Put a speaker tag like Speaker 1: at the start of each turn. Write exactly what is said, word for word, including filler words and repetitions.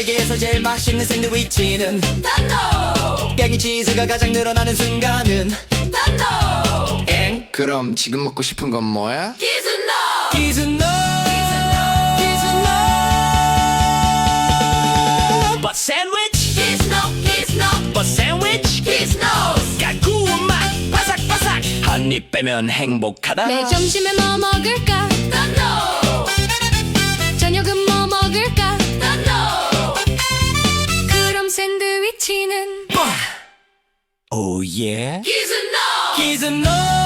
Speaker 1: 세계에서 제일 맛있는 샌드위치는
Speaker 2: 단노
Speaker 1: 깨기 치즈가 가장 늘어나는 순간은
Speaker 2: 단노
Speaker 1: 엥?
Speaker 3: 그럼 지금 먹고 싶은 건 뭐야?
Speaker 2: 기준노
Speaker 1: 기준노 기준노 But sandwich
Speaker 2: 기준노 기준노
Speaker 1: But sandwich
Speaker 2: 기준노
Speaker 1: 깔끔한 맛 바삭바삭 한 입 빼면 행복하다
Speaker 4: 내 점심에 뭐 먹을까?
Speaker 2: 단노
Speaker 4: 저녁은 뭐 먹을까?
Speaker 2: 단노
Speaker 4: 그럼 샌드위치는
Speaker 1: 오 예
Speaker 2: 기준노
Speaker 1: 기준노